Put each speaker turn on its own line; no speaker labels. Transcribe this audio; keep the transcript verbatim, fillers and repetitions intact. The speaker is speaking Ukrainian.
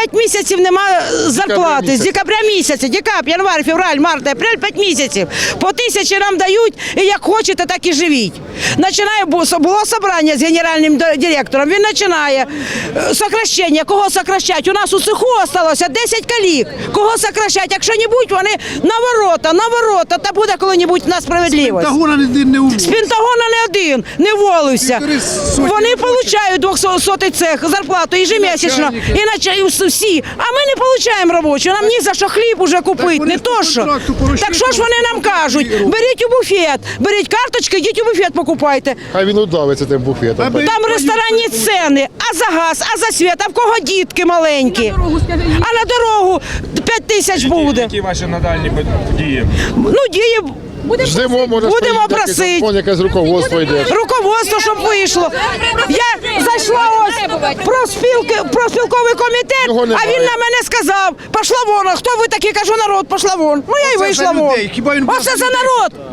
п'ять місяців немає зарплати. З декабря місяця, декабрь, январь, февраль, март, апрель, п'ять місяців. По тисячі нам дають, і як хочете, так і живіть. Починає, було зібрання з генеральним директором, він починає сокращення, кого сокращать. У нас у цеху залишилося десять калік. Кого сокращать? Якщо-небудь вони на ворота, на ворота, та буде коли-небудь на справедливість.
З Пентагона не, не уволив.
З Пентагона не один не волився. Вони отримують двохсотий цех зарплату ежемісячно. І начальники всі. А ми не отримуємо робочу. Нам ні за що хліб уже купити, не то що. Так що ж вони нам кажуть? Беріть у буфет, беріть карточки, йдіть у буфет покупайте.
Хай він удавиться тим буфетом.
Там ресторанні ціни, а за газ, а за світ, а в кого дітки маленькі. А на дорогу п'ять тисяч буде.
Які ваші надальні дії?
Ну, дії
Ждемо, може,
будемо
стоїть якийсь
просити.
закон, якесь руководство йде.
Руководство, щоб вийшло. Я зайшла ось про спілки, про спілковий комітет,
Його
а
немає.
він на мене сказав, пішла вон, а хто ви такі, кажу, народ, пішла вон. Ну я й
Оце
вийшла
за
вон.
людей. Хіба він
Оце
за
за
людей?
народ.